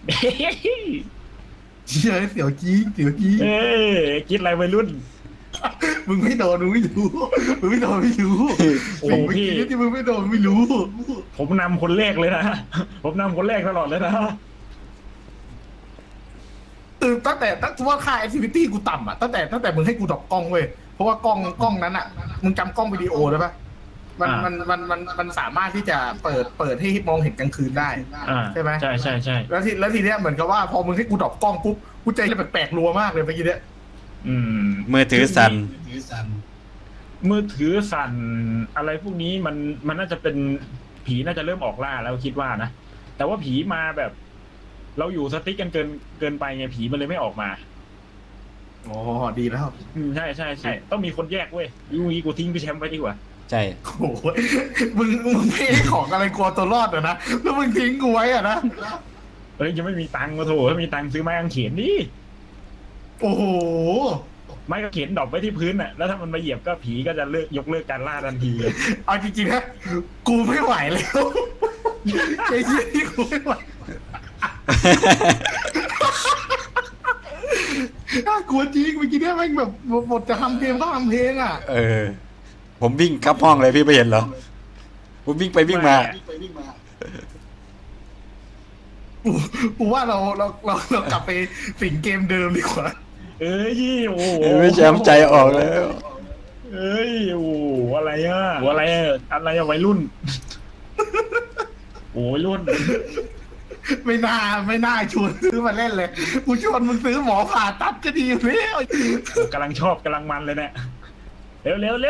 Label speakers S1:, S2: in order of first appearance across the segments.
S1: เชี่ยเสียวจี้เสียวจี้
S2: เอ้ยคิดอะไรวัยรุ่น
S1: มึงไม่โดนมึงไม่รู้มึงไม่โดนไม่รู้
S2: โอ้
S1: สิ่ง
S2: พี่
S1: เมื่อกี้ที่มึงไม่โดนไม่รู้
S2: ผมนำคนแรกเลยนะผมนำคนแรกตลอดเลยนะ
S1: ตั้งว่าค่าแอคทิวิตี้กูต่ำอ่ะตั้งแต่มึงให้กูดรอปกล้องเว้ยเพราะว่ากล้องนั้นอ่ะมึงจำกล้องวิดีโอได้ปะมันสามารถที่จะเปิดให้มองเห็นกลางคืนได้ใช่ไหม
S2: ใช่ใช่ใช่
S1: แล้วทีเนี้ยเหมือนกับว่าพอมึงให้กูดรอปกล้องปุ๊บกูใจจะแปลกๆรัวมากเลยเมื่อกี้เนี้ย
S2: อืม
S3: มือถือสั่น
S2: มือถือสั่นอะไรพวกนี้มันน่าจะเป็นผีน่าจะเริ่มออกล่าแล้วคิดว่านะแต่ว่าผีมาแบบ เราอยู่สติ๊กกันเกินไปไงผีมันเลยไม่ออกมา
S1: อ๋อดีแล้ว
S2: ใช่ต้องมีคนแยกเว้ยยูงี้กูทิ้งพี่แชมป์ไปดีกว่า
S3: ใช่
S1: โอ้โหมึงไม่ให้ของอะไรกลัวตัวรอดเหรอนะแล้วมึงทิ้งกูไว้อะนะ
S2: เอ้ยยังไม่มีตังค์มาโถถ้ามีตังค์ซื้อไม้กางเขนดิ
S1: โอ้โห
S2: ไม้กางเขนดรอปไว้ที่พื้นน่ะแล้วถ้ามันมาเหยียบก็ผีก็จะยกเลิกการล่าทันทีเลย
S1: เอาจริงๆนะกูไม่ไหวแล้วไอ้เหี้ยที่กูไม่ไหวน่ากลัวจริงเมื่อกี้เนี่ยแม่งแบบบทจะทำเพลงก็ทำเพลงอ่ะ
S3: เออ ผมวิ่งเข้าห้องเลยพี่ไม่เห็นเหรอ ผมวิ่งไปวิ่งมา
S1: กูว่าเรากลับไปสิงเกมเดิมดีกว่า
S2: เอ้ยโอ้โห
S3: ไม่แชมป์ใจออกแล้ว
S2: เอ้ยโอ้โหอะไรอะอะไรอะวัยรุ่นโอ้ยรุ่น
S1: ไม่น่าชวนซื้อมาเล่นเลยกูชวนมึงซื้อหมอผ่าตัดก็ดีอยู่แล้ว
S2: กำลังชอบกำลังมันเลยเนี่ยเร็ว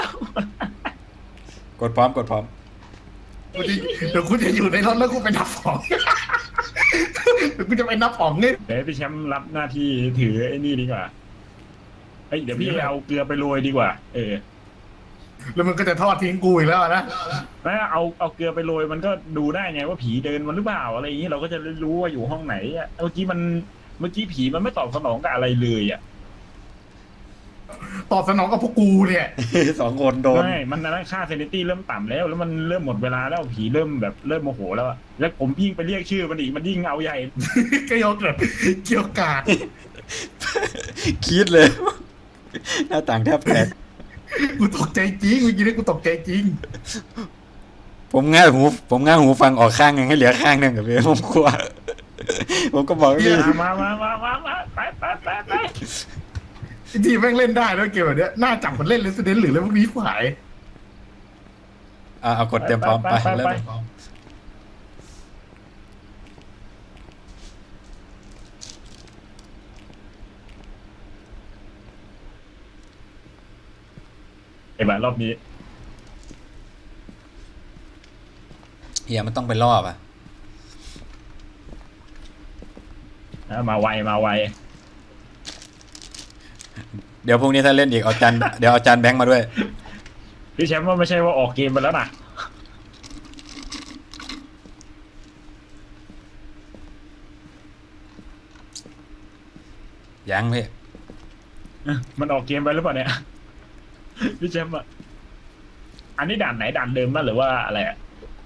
S3: กดพร้อมกดพร้อม
S1: เดี๋ยวกูจะอยู่ในรถแล้วกูไปนับของเดี๋ยวกูจะไปนับของเนี่ย
S2: เดี๋ยวพี่แชมป์รับหน้าที่ถือไอ้นี่ดีกว่าเฮ้ยเดี๋ยวพี่เอาเกลือไปโรยดีกว่า
S1: แล้วมันก็จะทอดทิ้งกูอีกแล้วนะ
S2: แล้วเอาเกลือไปโรยมันก็ดูได้ไงว่าผีเดินมันหรือเปล่าอะไรอย่างนี้เราก็จะรู้ว่าอยู่ห้องไหนอะเมื่อกี้ผีมันไม่ตอบสนองกับอะไรเลยอ่ะ
S1: ตอบสนองกับพวกกูเนี่ย
S3: สองคนโดน
S2: ไม่มันนั้นค่าเซนิตี้เริ่มต่ำแล้วมันเริ่มหมดเวลาแล้วผีเริ่มโมโหแล้วอะแล้วผมยิ่งไปเรียกชื่อมันอีกมันยิ่งเอาใหญ่
S1: ก็ยกแบบเกี่ยวกาด
S3: คิดเลย หน้าต่างแทบแตก
S1: กูตกใจจริงเมื่อกี้นี่กูตกใจจริง
S3: ผมง่าหูฟังออกข้างหนึงให้เหลือข้างหนึงกับพี่ผมกลัว ผมก็บอกว่าพี่
S2: มาไป
S1: ทีแม่งเล่นได้ด้วยเกมแบบเนี้ยน่าจับมันเล่น Resident หรือเรื่องพวกนี้ขาย
S3: เอากดเตรียมพร้อมไปเริ่ม
S2: ไอ้บ้ารอบนี้
S3: เฮียมันต้องไปรอบอ่ะ
S2: มาไว
S3: เดี๋ยวพรุ่งนี้ถ้าเล่นอีกเดี๋ยวเอาจานแบงค์มาด้วย
S2: พี่แชมป์ว่าไม่ใช่ว่าออกเกมไปแล้วนะ
S3: ยังพี่
S2: มันออกเกมไปหรือเปล่าเนี่ยพี่แชมป์อะอันนี้ด่านไหนด่านเดิมมั้ยหรือว่าอะไรอะ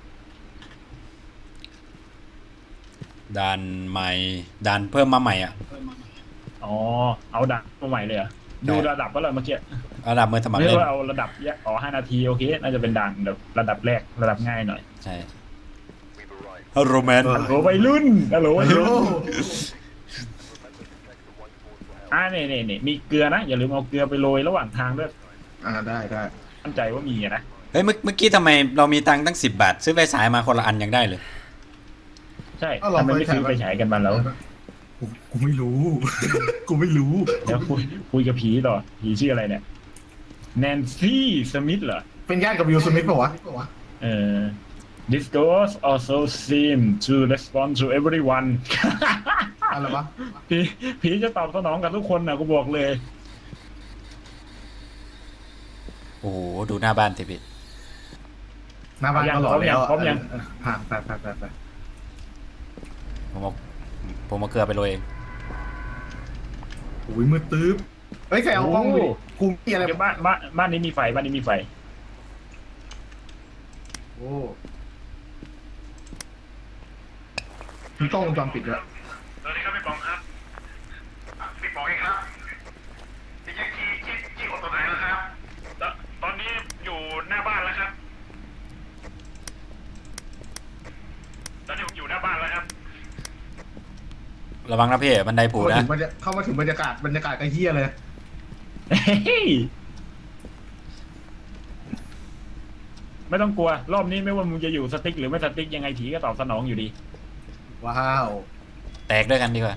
S3: ด่านใหม่ด่านเพิ่มมาใหม่อ่ะ
S2: อ๋อเอาด่านมาใหม่เลยเหรอดูระดับว่าอะไรเมื่อกี้
S3: ระดับมือสมัคร
S2: ไม่
S3: เล่น
S2: ว่าเอาระดับ5 นาทีโอเคน่าจะเป็นด่านแบบระดับแรกระดับง่ายหน่อย
S3: ใช่ฮัลโหลแมน
S2: ฮัลโหลวัยรุ่นฮัลโหลวัย
S1: โอ้
S2: รุ่นนี่มีเกลือนะอย่าลืมเอาเกลือไปโรยระหว่างทางด้วย
S1: ได้
S2: มั่นใจว่ามีอะนะ
S3: เฮ้ยเมื่อกี้ทำไมเรามีตังค์ตั้ง10 บาท ซื้อไฟฉายมาคนละอันยังได้เลย
S2: ใช่ทำไมไม่ซื้อไปฉายกันมาแล้ว
S1: กูไม่รู้ กูไม่รู้
S2: เดี๋ยวคุยกับผีต่อผีชื่ออะไรเนี่ยแนนซี่สมิธเหรอ
S1: เป็นญาติกับวิลสมิธป่าวะ
S2: This ghost also seem to respond to everyone
S1: อะไรวะ
S2: ผีจะตอบสนองกับทุกคนนะกูบอกเลย
S3: โอ้โหดูหน้าบ้านสิพี่
S1: หน้าบ้านก็หล่อแล้ว
S2: พร้อมยัง
S1: ผ่านไป
S3: ผมเอาเกลือไปโรยเอง
S1: อุ้ยมือตื้อเฮ้ยใครเอากล้องไปกูมีอะไร
S2: เดี๋ยวบ้านนี้มีไฟบ้านนี้มีไฟ
S1: โอ้มีกล้องวงจรปิดด้วยบอกเองครับพี่แจ็คขี้อดตัวไหนแล้วครับ
S2: ตอนนี้อยู่หน้าบ้านแล้วครับตอนนี้ผมอยู่หน้าบ้านแล้วครับ
S3: ระวังนะพี่บันไดปูนะ
S1: เข้ามาถึงบรรยากาศกระเฮียเลย
S2: เฮ้ยไม่ต้องกลัวรอบนี้ไม่ว่ามึงจะอยู่สติ๊กหรือไม่สติ๊กยังไงผีก็ตอบสนองอยู่ดี
S1: ว้าว
S3: แตกด้วยกันดีกว่า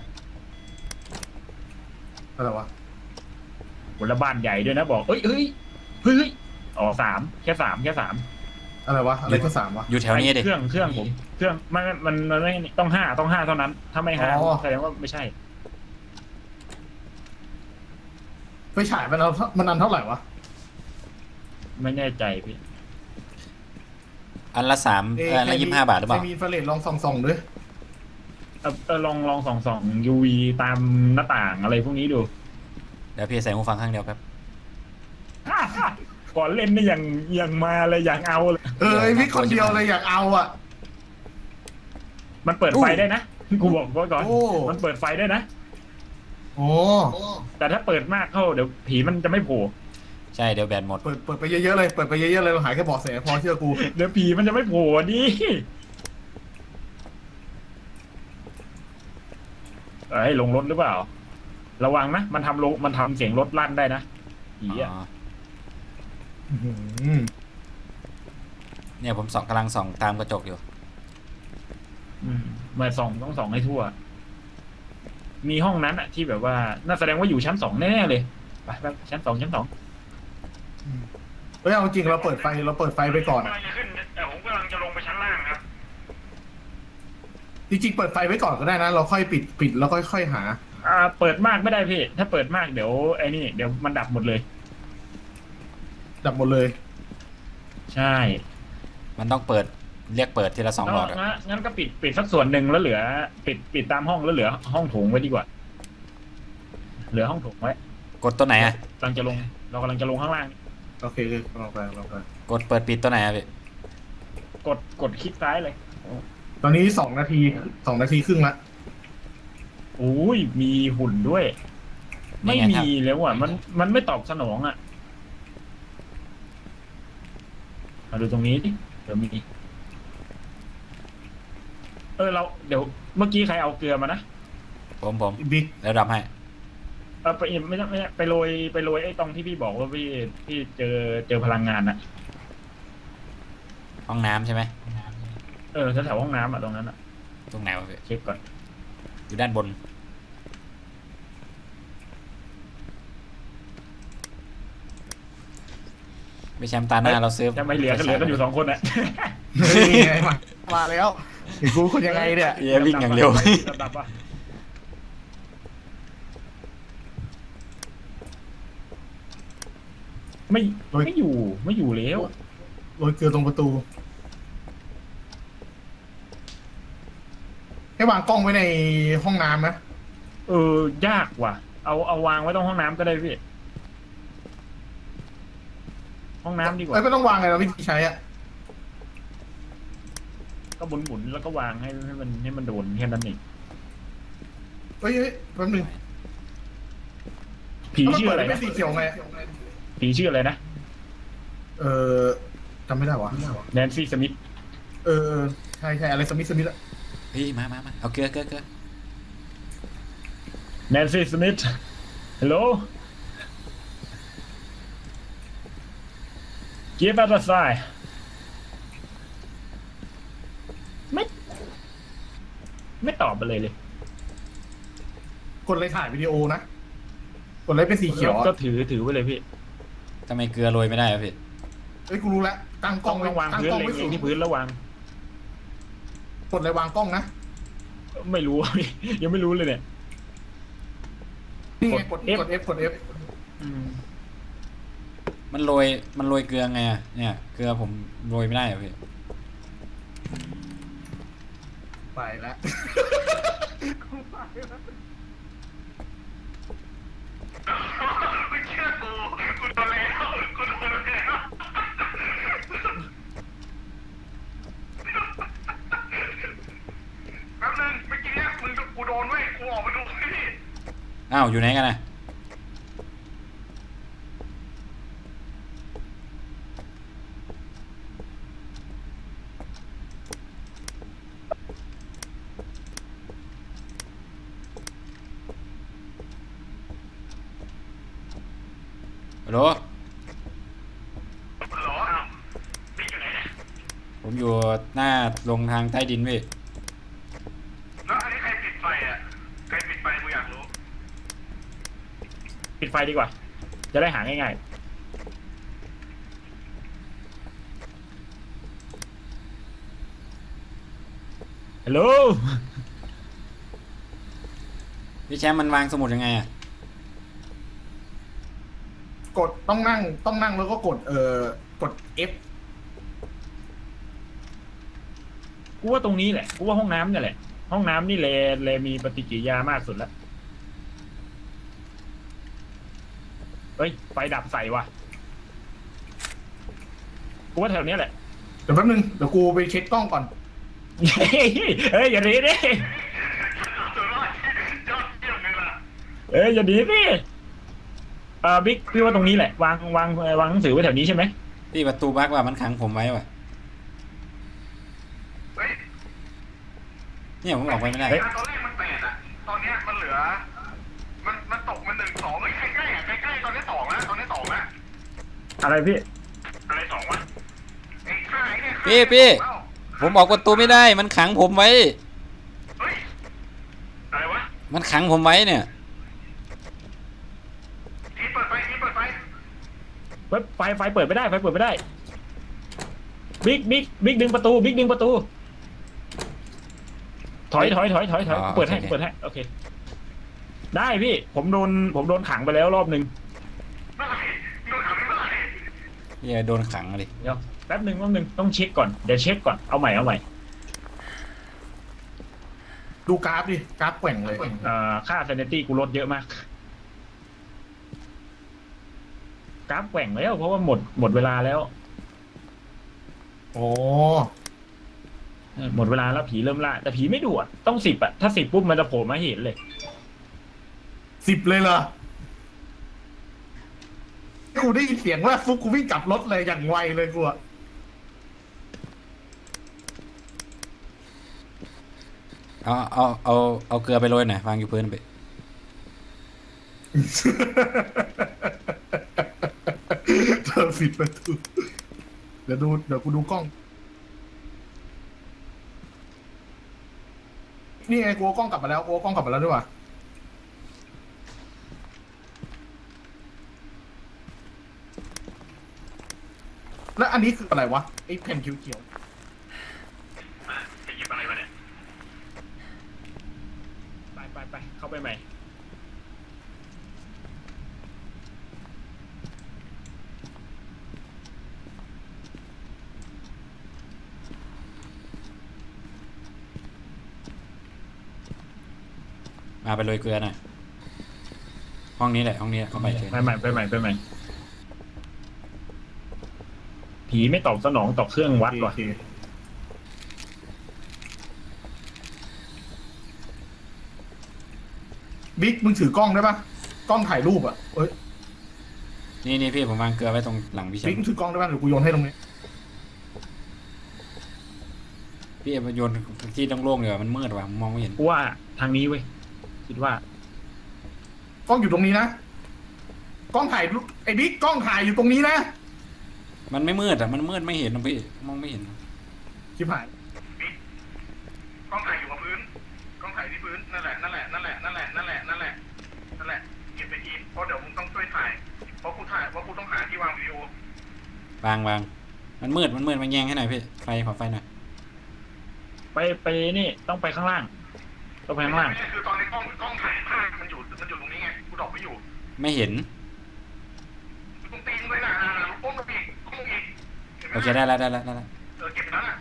S1: อะไรวะ
S2: บนละบ้านใหญ่ด้วยนะบอกเฮ้ยอ๋อแค่สาม
S1: อะไรวะอะไรก็3วะ
S3: อยู่แถวนี้ดิ
S2: เครื่องผมเครื่องมันไม่ต้องห้าเท่านั้น ถ้าไม่ห้า
S1: อ๋อ
S2: แสดงว่าไม่ใช่
S1: ไฟฉายมันอันเท่าไหร่วะ
S2: ไม่แน่ใจพี่
S3: อันละอันละ25 บาทหรือเปล่า
S1: มีอินฟราเรดลองส่องด้วย
S2: ลองส่อง UV ตามหน้าต่างอะไรพวกนี้ดู
S3: เดี๋ยวพี่ใส่หูฟังข้างเดียวครับ
S2: ก่อนเล่นนี่ยังมาเลยอย่างเอาเลย
S1: ไอ้พี่คนเดียวเลยอยากเอาอ่ะ
S2: มันเปิดไฟได้นะกูบอกไว้ก่อน
S1: โอ้
S2: มันเปิดไฟได้นะ
S1: โอ้
S2: แต่ถ้าเปิดมากเข้าเดี๋ยวผีมันจะไม่โผล่
S3: ใช่เดี๋ยวแบตหมด
S1: เปิดไปเยอะๆเลยเราหายแค่เบาะแสพอเชื่อกู
S2: เดี๋ยวผีมันจะไม่โผล่ดิลงรถหรือเปล่า ระวังนะมันทำเสียงรถลั่นได้นะผีอ่ะ
S1: อื้อหือ
S3: เนี่ยผมกำลังส่องตามกระจกอยู่
S2: มาต้องส่องให้ทั่ว มีห้องนั้นอะที่แบบว่าน่าแสดงว่าอยู่ชั้น 2แน่ๆเลยไปชั้น 2
S1: เฮ้ยเอาจริงเราเปิดไฟไปก่อน
S2: กำลังจะขึ้นแต่ผมกำลังจะลงไปชั้นล่างครับ
S1: จริงๆเปิดไฟไว้ก่อนก็ได้นะ เราค่อยปิดแล้วค่อยหา
S2: เปิดมากไม่ได้พี่ถ้าเปิดมากเดี๋ยวเดี๋ยวมันดับหมดเลย
S1: ดับหมดเลย
S2: ใช่
S3: มันต้องเรียกเปิดทีละ2 หลอดอะ
S2: งั้นก็ปิดสักส่วนหนึ่งแล้วเหลือปิดตามห้องแล้วเหลือห้องโถงไว้ดีกว่า เหลือห้องโถงไว้
S3: กดตัวไหนอะ
S2: เรากำลังจะลงข้างล่าง
S1: โอเคลองไป
S3: กดเปิดปิดตัวไหนอะพี่
S2: กดคลิกซ้ายเลย
S1: ตอนนี้2 นาทีครึ่งละ
S2: อุ้ยมีหุ่นด้วย ไม่
S3: นี่ไงครับ
S2: มีแล้วอ่ะมันไม่ตอบสนองอ่ะมาดูตรงนี้ดิเดี๋ยวมีเดี๋ยวเมื่อกี้ใครเอาเกลือมานะ
S3: ผม
S1: บิ๊ก
S3: แล้วดับให้
S2: ไปไม่ไปโรยไอ้ตรงที่พี่บอกว่าพี่เจอพลังงานอ่ะ
S3: ห้องน้ำใช่ไหม
S2: แถวห้องน้ำอ่ะตรงนั้นอ่ะ
S3: ตรงไหนวะพี่
S2: เช็คก่อน
S3: อยู่ด้านบน ไม่แชมป์ตาหน้าเราซื้อ
S2: จะไม่เหลือกันอยู่2 คนอ่ะ
S1: นี่ไงมาแล้วไอ้กูคนยังไงเนี่ย
S3: เย้วิ่งอย่างเร็ว
S2: ดับปะไม่อยู่แล้ว
S1: โรยเกลือตรงประตูให้วางกล้องไว้ในห้องน้ำนะ
S2: ยากว่ะเอาวางไว้ตรงห้องน้ำก็ได้พี่ห้องน้ำดีกว่า
S1: ไม่ต้องวางไงเราวิธีใช้อ่ะ
S2: ก็หมุนแล้วก็วางให้มันโดนแค่นั้นเอง
S1: เฮ้ยแป๊บนึง
S2: ผีชื่ออะไร
S1: ไม่
S2: นะ
S1: สีเขียวไง
S2: ผีชื่ออะไรนะ
S1: จำไม่ได้วะ
S2: แนนซี่สมิธ
S1: ใช่อะไรสมิธอะ
S3: พี่มาเอาเกลือ
S2: แนนซี่สมิธฮัลโหล give us a sign ไม่ตอบไปเลย
S1: กดเลยถ่ายวิดีโอนะกดเลยเป็นสีเขียว
S2: ก็ถือไว้เลยพี่
S3: ทำไมเกลือโรยไม่ได้อะพี่
S1: เฮ้ยกูรู้แล้วตั้งกล้อง
S2: ต้องวางพื้นเลย
S1: ไว้สูง
S2: ที่พื้นแล้ววาง
S1: กดเลยวางกล้องนะ
S2: ไม่รู้ ยังไม่รู้เลยเนี่ย
S1: นี่ไงกด
S2: F
S1: F
S3: มันโรยเกลือไงอะเนี่ยเกลือผมโรยไม่ได้อะพี่
S1: ไปแล้ว เชื่อกูโดนแล้วแป๊บนึงเมื่อกี้เนี่ยกูโดนเว้ยกูออกมาดูพี่
S3: อ้าวอยู่ไหนกันนะฮัลโหล
S1: ฮัลโหลอ้าวบิ๊กอยู่ไหนเนี่ย
S3: ผมอยู่หน้าลงทางใต้ดินพี่
S1: แล้วอันนี้ใครปิดไฟอ่ะใครปิดไฟกูอยากรู้
S2: ปิดไฟดีกว่า จะได้หาง่ายๆฮัลโหล
S3: พี่แชมป์มันวางสมุดยังไงอะ
S1: กดต้องนั่งแล้วก็กดกด F
S2: กูว่าตรงนี้แหละ กูว่าห้องน้ำเนี่ยแหละ ห้องน้ำนี่แลมีปฏิกิริยามากสุดแล้ว เฮ้ย ไฟดับใส่ว่ะ กูว่าแถวเนี้ยแหละ
S1: เดี๋ยวแป๊บนึงเดี๋ยวกูไปเช็คกล้องก่อน
S2: เฮ้ยอย่าหนีดิอย่าหนีดิบิ๊กพี่ว่าตรงนี้แหละ วางหนังสือไว้แถวนี้ใช่ไหม
S3: พี่ประตูบั๊กว่ามันขังผมไว้ว่ะเนี่ยผมออกไปไม่ได้
S1: ตอนแรกมัน8อ่ะตอนเนี้ยมันเหลือมันตกมัน1 2ใกล้ๆอ่ะใกล้ๆตอนนี้2แล้วตอนนี้2แล้ว
S2: อะไรพี่
S1: อะไร2วะไอ้ค่ายเนี่ย
S3: พี่ผมออกประตูไม่ได้ มันขังผมไว้
S1: เฮ้ยอะไรวะ
S3: มันขังผมไว้เนี่ย
S1: ทีเปิดไฟ
S2: ไฟเปิดไม่ได้ ไฟเปิดไม่ได้ บิ๊กดึงประตู บิ๊กดึงประตู ถอย
S3: อ๋อ
S2: เปิดให้
S3: โอเค
S2: เปิดให้ โอเค ได้พี่ ผมโดนขังไปแล้วรอบนึง
S1: เมื่อไหร่โดนขังเมื่อไหร่
S3: พี่โดนขังเลย
S2: เดี๋ยวแป๊บนึงต้องเช็คก่อน เดี๋ยวเช็คก่อน เอาใหม่
S1: ดูกราฟดิกราฟแกว่งเลย
S2: ค่า sanity กูลดเยอะมาก กราฟแกว่งแล้ว เพราะว่าหมดเวลาแล้ว
S1: โอ้
S2: หมดเวลาแล้วผีเริ่มล่า แต่ผีไม่ดุอ่ะ ต้อง10อ่ะ ถ้า10ปุ๊บมันจะโผล่มาให้เห็นเลย
S1: 10เลยเหรอกูได้ยินเสียงว่าฟุกกูวิ่งกลับรถเลยอย่างไวเลยกูอะ
S3: เอาเกลือไปโรยหน่อยวางอยู่พื้นไป
S1: เธอปิดประตูเดี๋ยวกูดูกล้อง นี่ไงกูเอากล้องกลับมาแล้วด้วยว่ะแล้วอันนี้คืออะไรวะไอ้แผ่นเขียวๆจะหยิบอะไรวะเนี่ย
S2: ไป เข้าไปใหม่
S3: มาไปโรยเกลือหน่อยห้องนี้แหละเข้าไปเถอะ
S2: ไปใหม่ ผีไม่ตอบสนองต่อเครื่องวัดว่ะ
S1: โอเคบิ๊กมึงถือกล้องได้ปะกล้องถ่ายรูปอ่ะเอ้ย
S3: นี่พี่ผมวางเกลือไว้ตรงหลังพี่แชม
S1: บิ๊กมึง
S3: ป์
S1: ถือกล้องได้ปะเดี๋ยวกูโยนให้ตรงนี้
S3: พี่เอามาโยนที่โล่งๆเลยว่ะมันมืดว่ะมองไม่เห็น
S2: กูว่าทางนี้เว้ย คิดว่า
S1: กล้องอยู่ตรงนี้นะกล้องถ่ายรูปไอ้บิ๊กกล้องถ่ายอยู่ตรงนี้นะ
S3: มันไม่มืดอ่ะมันมืดไม่เห็นนะพี่มองไม่เห็น
S1: ชิบหายบิ๊กกล้องถ่ายอยู่กับพื้นกล้องถ่ายที่พื้นนั่นแหละเก็บไปทีเพราะเดี๋ยวมึงต้องช่วยถ่ายเพราะกูต้องหาที่วางวิดีโอ
S3: วางมันมืดมันแยงให้หน่อยพี่ขอไฟหน่อย
S2: ไปนี่ต้องไปข้างล่างต้องไปข้างล่าง
S1: คือตอนนี้กล้องถ่ายภาพมันอยู่ตรงนี้ไงกูดอกไม่อยู่
S3: ไม่เห็น
S1: ตรงตีนเลยนะก้มลงอีก
S3: โอเคได้แล้ว
S1: เก็บไปแล้วนะ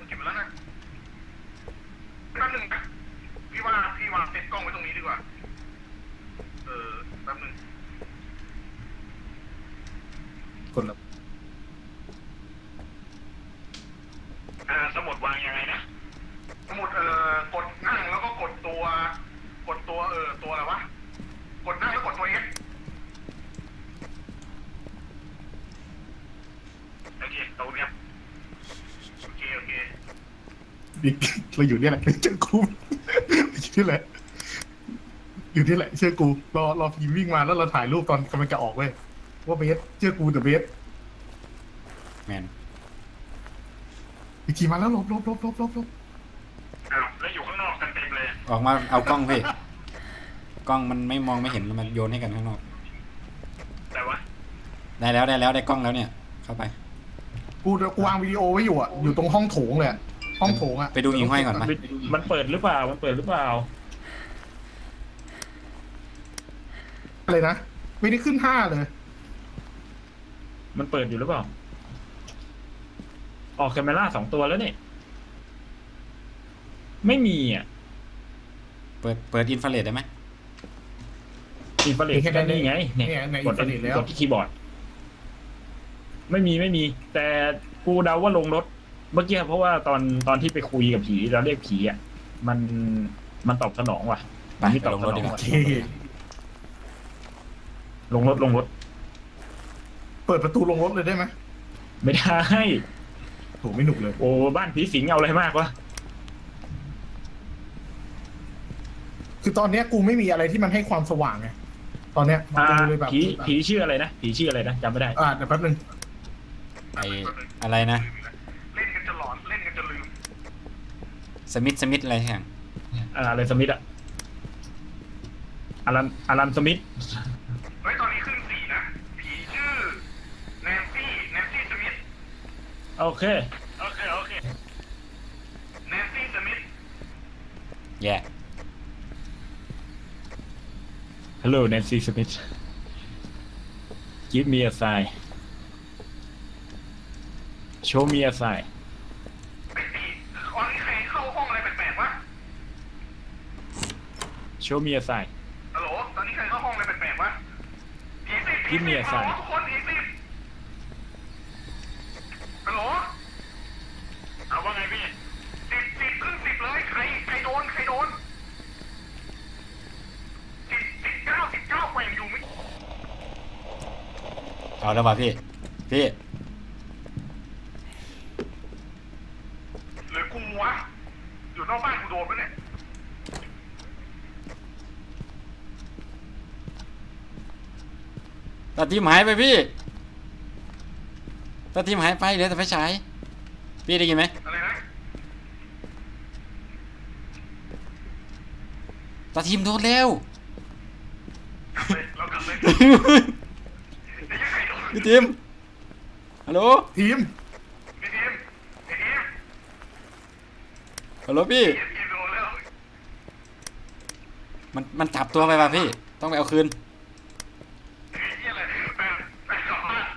S1: แป๊บนึงนะพี่ว่าเซ็ตกล้องไว้ตรงนี้ดีกว่าแป๊บนึงกดแล้วสมุดวางยังไงนะสมุดกดนั่งแล้วก็กดตัวตัวอะไรวะกดนั่งแล้วกดบิ๊กเราอยู่เนี่ยแหละเจอกูอยู่นี่แหละอยู่นี่แหละเชื่อกูรอพีวิ่งมาแล้วเราถ่ายรูปตอนกำลังจะออกเว้ยว่าเบสเชื่อกูเดอะเบส
S3: แมน
S1: อีกทีมาแล้วหลบ
S2: แล้วอยู่ข้างนอกกันเต็มเลย
S3: ออกมาเอากล้องพี่กล้องมันไม่มองไม่เห็นมันโยนให้กันข้างนอก
S2: แต่ว่า
S3: ได้แล้วได้กล้องแล้วเนี่ย เข้าไป
S1: กูวางวิดีโอไว้อยู่อ่ะอยู่ตรงห้องโถงเลยอะห้องโถงอ่ะ
S3: ไปดูหิ่งห้อยก่อนมา
S2: มันเปิดหรือเปล่า มันเปิดหรือเปล่า
S1: เลยนะไม่ได้ขึ้น5เลย
S2: มันเปิดอยู่หรือเปล่า ออกแคมเมล่า2 ตัวแล้วเนี่ยไม่มีอ่ะ
S3: เปิดอินฟราเรดได้ไหม
S2: อินฟราเรดแค่นี้ไงเนี่ย
S1: ใน
S2: ก
S1: อิ
S2: ด
S1: นเทอร์เน็ตแล้ว
S2: กดที่คีย์บอร์ด ไม่มี แต่กูเดาว่าลงรถ เมื่อกี้เพราะว่าตอนที่ไปคุยกับผีเราเรียกผีอ่ะ มันตอบสนองว่ะ
S3: ไป
S2: ที่ตอบ
S3: ลง
S2: ส
S3: รถ
S2: นอ
S3: ดี
S2: ง
S3: กว่า
S2: ว่ะลงรถ
S1: เปิดประตูลงรถเลยได้ไหม
S2: ไม่ได้
S1: โถไม่หนุกเลย
S2: โอ้บ้านผีสิงเอาอะไรมากวะ
S1: คือตอนเนี้ยกูไม่มีอะไรที่มันให้ความสว่างไงตอนเนี้ยกูเลยแบบ
S2: ผีชื่ออะไรนะผีชื่ออะไรนะจำไม่ได้
S1: เดี๋ยวแป๊บนึง
S3: ไออะไรนะ
S1: เล่นกันจะหลอนเล่นกันจะลืม
S3: สมิธอะไรอย่าง
S2: อะไรสมิธอะอารันสมิธ
S1: เฮ้ยตอนนี้ขึ้น4นะผีชื่อแนนซี่สมิธ
S2: โอเค
S1: แนนซี่สมิธ
S3: แย่
S2: Hello Nancy Smith Give me a sign Show me a sign
S1: ตอนนี้ใครเข้าห้องอะไรแปลกๆวะ
S2: Show me a sign
S1: ฮัลโหลตอนนี้ใครเข้าห้องอะไรแปลกๆวะผีสิ
S2: Give me a sign
S1: ทุกคนผีสิฮัลโหล
S2: เอาว่าไงพี่
S1: 10ขึ้น10เลยใครโดน10 19แกว่งอยู่ไม่
S3: เอาแล้วป่ะพี่
S1: หรือกูวะอยู่นอกบ้านกูโดนปะเนี่ย
S3: ตาทีมหายไปพี่ตาทีมหายไปเหลือแต่ไฟฉายพี่ได้ยินไหม
S1: อะไรนะ
S3: ตาทีมโดนแล้ว
S1: เรากลับเลย
S3: พี่ทีมฮัลโหล
S1: ทีม
S3: ฮัลโหลพี่
S1: ทีมโดนแล้ว
S3: มันจับตัวไปป่ะพี่ ต้องไปเอาคืน
S1: นี่อะไรแปดสองห้า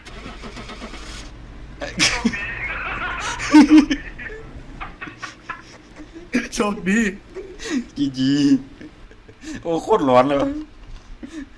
S1: โชคดี
S3: จีโอ้โคตรร้อนเลย